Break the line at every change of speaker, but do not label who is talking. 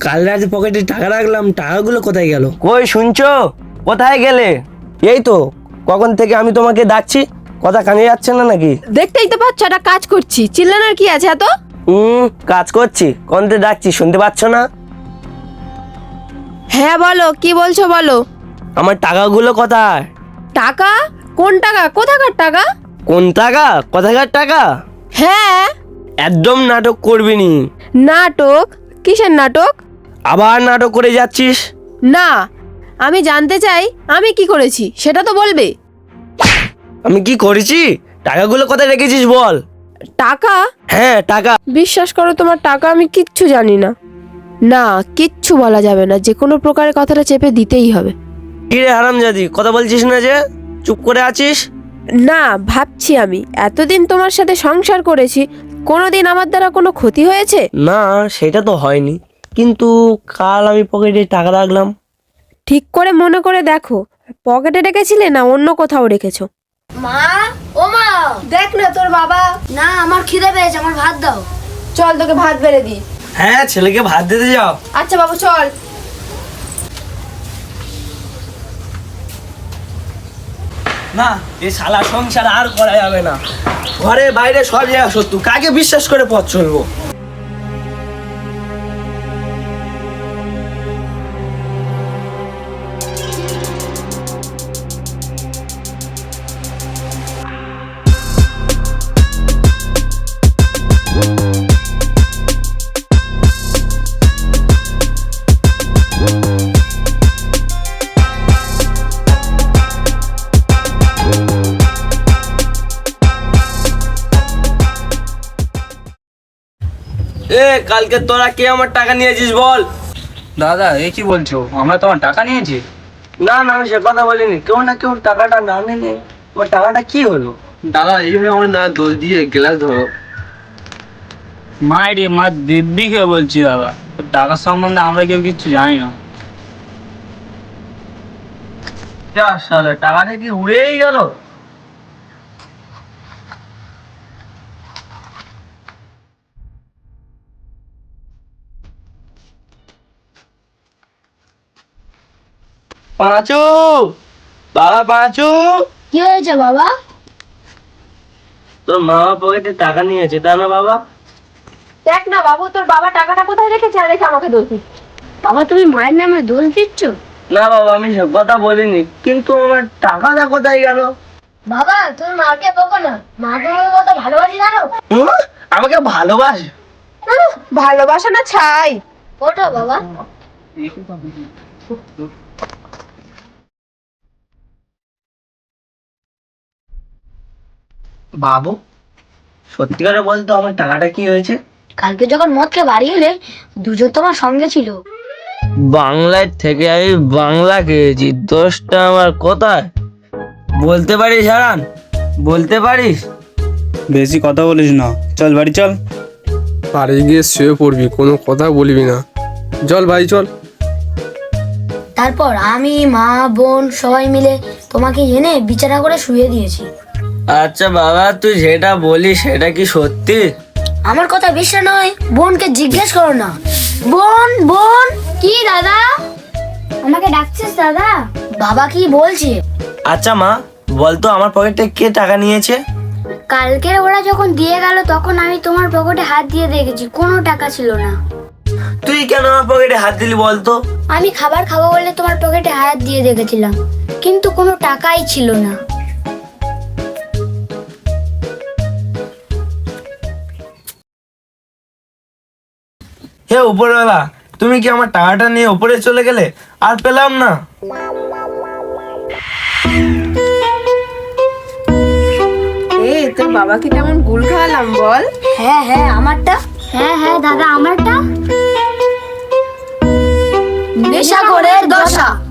কাল রাতে পকেটে টাকা রাখলাম, টাকাগুলো কোথায় গেল?
কই শুনছো? কোথায় গেলে? এই তো কখন থেকে আমি তোমাকে ডাকছি, কথা কানে যাচ্ছে না নাকি?
দেখতেই তো পাচ্ছ একটা কাজ করছি, চিল্লানোর কি আছে এত?
কাজ করছি, কোনতে ডাকছি শুনতে পাচ্ছ না?
হ্যাঁ বলো, কি বলছো বলো।
আমার টাকাগুলো কোথায়?
টাকা? কোন টাকা? কোথাকার টাকা?
কোন টাকা? কোথাকার টাকা?
হ্যাঁ।
একদম নাটক করবি নি।
নাটক? কিসের নাটক?
আবার নাটক করে যাচ্ছিস।
না, আমি জানতে চাই আমি কি করেছি সেটা তো বলবে।
আমি কি করেছি? টাকাগুলো কোথায় রেখেছিস বল।
টাকা?
হ্যাঁ টাকা।
বিশ্বাস করো, তোমার টাকা আমি কিচ্ছু জানি না। না, কিচ্ছু বলা যাবে না, যে কোনো প্রকারে কথাটা চেপে দিতেই হবে।
কি রে হারামজাদি, কথা বলছিস না যে, চুপ করে আছিস?
না, ভাবছি আমি এতদিন তোমার সাথে সংসার করেছি, কোনোদিন আমার দ্বারা কোনো ক্ষতি হয়েছে?
না সেটা তো হয়নি, কিন্তু কাল আমি পকেটে টাকা রাখলাম।
ঠিক করে মনে করে দেখো, পকেটে রেখেছিলে না অন্য কোথাও রেখেছো?
মা, ও মা,
দেখ না তোর বাবা।
না আমার খিদে পেয়েছে, আমার ভাত দাও।
চল তোকে ভাত বেড়ে দিই।
হ্যাঁ ছেলেকে ভাত দিতে যাও।
আচ্ছা বাবু চল।
না এই শালা সংসার আর করা যাবে না, ঘরে বাইরে সব জায়গা শত্রু, কাকে বিশ্বাস করে পথ চলবো? কালকে তোরা কে আমার টাকা নিয়েছিস বল?
দাদা এ কি বলছো, আমরা তোমার টাকা নিয়েছি?
না না আমি সে কথা বলিনি, কেউ না কেউ টাকাটা না নিলে তোমার টাকাটা কি হলো?
দাদা এইভাবে আমার না দোষ দিয়ে গ্লাস ধরো। মায়ের মা দিব্যিকে বলছি দাদা, টাকার সম্বন্ধে আমরা কেউ কিচ্ছু জানি না।
যা শালা, টাকাটা কি উড়েই গেল? পাঁচু, বাবা পাঁচু।
কি হয়েছে বাবা?
তোর মা পকেটে টাকা নিয়েছে তা না বাবা?
দেখ না বাবু, তোর বাবা টাকাটা কোথায় রেখেছে আর রেখে আমাকে দোষ দিচ্ছে।
বাবা তুমি মায়ের নামে দোষ দিচ্ছ?
না বাবা আমি সব কথা বলিনি, কিন্তু আমার টাকাটা কোথায় গেল?
বাবা তুমি মাকে বকো না, মা তোমাকে কত ভালোবাসি জানো?
আমাকে ভালোবাসে?
ভালোবাসা না ছাই।
ওঠো বাবা।
বাবু সত্যি করে বলতো, আমার টাকাটা কি হয়েছে?
কালকে যখন মদ খেয়ে বাড়ি এলে, দুজন তোমার সঙ্গে ছিল।
বাংলার থেকে আমি বাংলা খেয়েছি, দোষটা আমার কোথায় বলতে পারিস হারান? বলতে পারিস?
বেশি কথা বলিস না, চল বাড়ি চল।
বাড়ি গিয়ে শুয়ে পড়বি, কোনো কথা বলবি না। চল ভাই চল।
তারপর আমি, মা, বোন সবাই মিলে তোমাকে এনে বিছানা করে শুয়ে দিয়েছি।
আচ্ছা বাবা, তুই যেটা বলিস সেটা কি সত্যি?
আমার কথা বিশ্বাস নয়, বোনকে জিজ্ঞেস করো না। বোন, বোন। কি দাদা? আমাকে ডাকছিস দাদা? বাবা কি বলছে?
আচ্ছা মা বলতো, আমার পকেটে কে টাকা নিয়েছে?
কালকের ওরা যখন দিয়ে গেল তখন আমি তোমার পকেটে হাত দিয়ে দেখেছি, কোনো টাকা ছিল না।
তুই কেন আমার পকেটে হাত দিলি বলতো?
আমি খাবার খাবো বলে তোমার পকেটে হাত দিয়ে দেখেছিলাম, কিন্তু কোনো টাকাই ছিল না।
হে উপরওয়ালা, তুমি কি আমার টাকাটা নিয়ে উপরে চলে গেলে? আর পেলাম না।
এই তোর বাবাকে কেমন গুল খাওয়ালাম বল?
হ্যাঁ হ্যাঁ আমারটা। হ্যাঁ হ্যাঁ দাদা আমারটা। নেশাখোরের দশা।